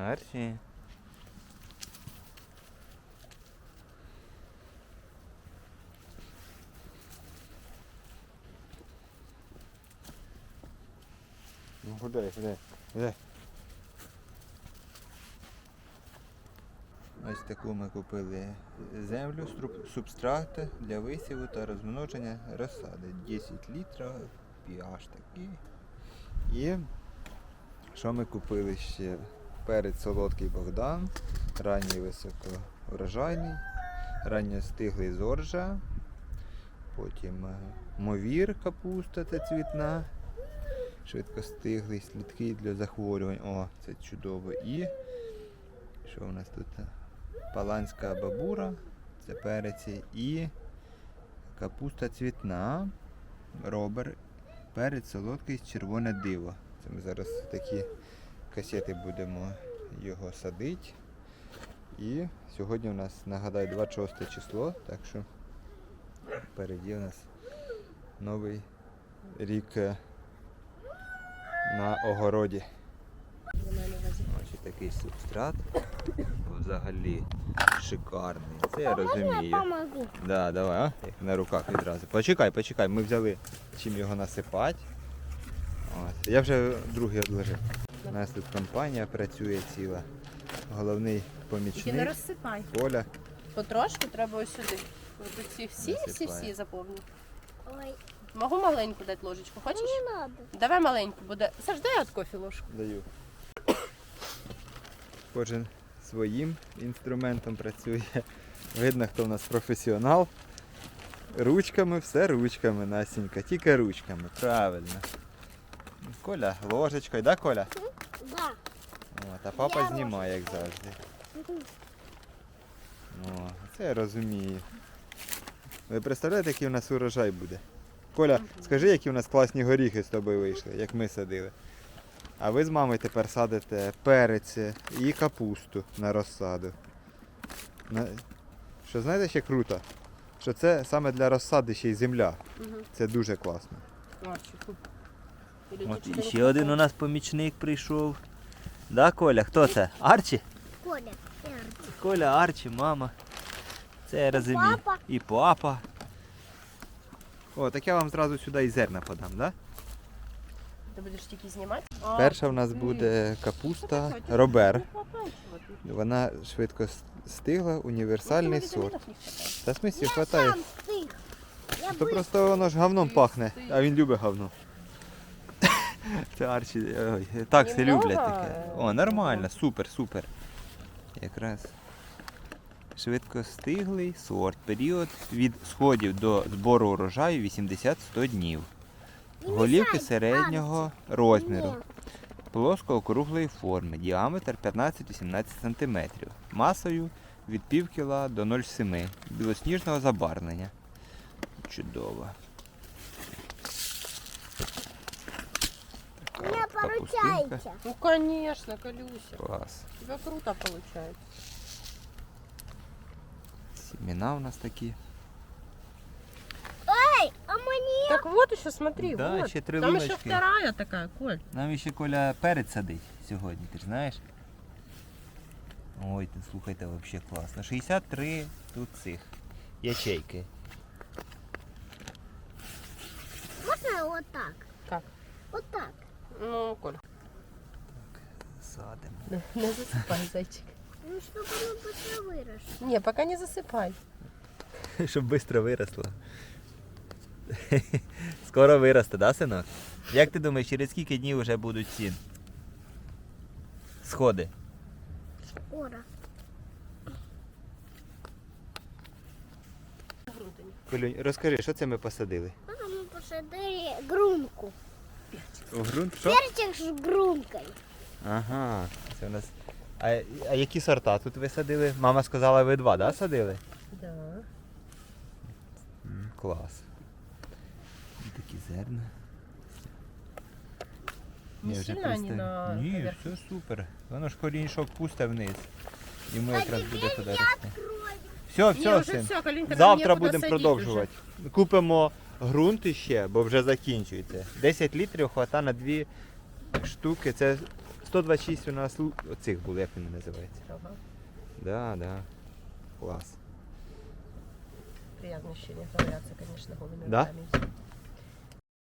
Арчі. Ну гуляй. Ось таку ми купили землю, субстрати для висіву та розмноження розсади. 10 літрів, pH такий. І що ми купили ще? Перець солодкий Богдан, ранній високоурожайний, ранньостиглий зоржа, потім мовір капуста та цвітна, швидкостиглий, слідкий для захворювань. О, це чудово. І що у нас тут? Паланська бабура, це переці, і капуста цвітна, робер, перець солодкий, червоне диво. Це ми зараз такі касети будемо його садити. І сьогодні у нас, нагадаю, 26 число, так що впереді у нас новий рік на огороді. Ось такий субстрат. Взагалі шикарний. Це я розумію. Да, давай, а? Як на руках відразу. Почекай, ми взяли чим його насипати. От. Я вже другий одложив. У нас тут компанія працює ціла. Головний помічник. Тільки не розсипай. Коля. Потрошку треба ось сюди. Ось ці всі Насипає. заповню. Ой, Можу маленьку дати ложечку, хочеш? не надо. Давай маленьку буде. Саш, дай от кофі ложку. Даю. Кожен своїм інструментом працює. Видно, хто в нас професіонал. Ручками, все ручками, Насінька, тільки ручками, правильно. Коля ложечкою, да, Коля? Да. От, а папа знімає, як завжди. О, це я розумію. Ви представляєте, який у нас урожай буде? Коля, скажи, які у нас класні горіхи з тобою вийшли, як ми садили. А ви з мамою тепер садите перець і капусту на розсаду. Що знаєте, ще круто? Що це саме для розсади ще й земля. Це дуже класно. От і ще один у нас помічник прийшов. Да, Коля? Хто це? Арчі? Коля, Коля, Арчі, мама. Це я розумію. папа. І папа. О, так я вам зразу сюди і зерна подам, да? Ти будеш тільки знімати? Перша в нас буде капуста Робер. Вона швидко стигла, універсальний сорт. Та в смислі хватає. сам стих. Я То просто воно ж говном пахне, а він любить говно. Це Арчі, ой, такси люблять таке. О, нормально, супер. Якраз швидкостиглий сорт. Період від сходів до збору урожаю 80-100 днів. Голівки середнього розміру. Плоско-округлої форми. Діаметр 15-18 см. Масою від пів кіла до 0,7. Білосніжного забарвлення. Чудово. У меня Така поручаете. пустинка. Ну, конечно, Колюся. Клас. У тебя круто получается. Сімена у нас такі. Эй, а мне? Так вот еще, смотри, Да, вот. еще три Там еще луночки. вторая такая, Коль. Нам ще Коля перець садить сьогодні, ти ж знаєш? Ой, ти слухайте, взагалі класно. 63 тут цих ячейки. Можно вот так? Как? Вот так. Ну, Коль. Садимо. Не засыпай, зайчик. Ну, чтобы оно быстро выросло. Не, пока не засыпай. Щоб швидко виросло. Скоро виросте, да, синок? Як ти думаєш, через скільки днів вже будуть ці сходи? Скоро. Колюнь, розкажи, що це ми посадили? Потом мы посадили грунку. У ґрунт що? Перчик с грункой. Ага, це у нас. А які сорта тут ви садили? Мама сказала, ви два, да, садили? Да. Клас. Такі зерна. Не Я вже сильно они представ- на Ні, поверхности? все супер. Воно ж корінчок пусте вниз. Йому А якраз теперь буде туди я рости. открою. Все, Не, все, уже син. все, Калинка, нам Завтра некуда будемо садить продовжувати. Купимо ґрунт іще, бо вже закінчується. 10 літрів хватає на 2 штуки. Це 126 у нас оцих було, як він називається. Ага. Да, да. Клас. Приятное ощущение. Ковыряться, конечно, голыми Да? руками.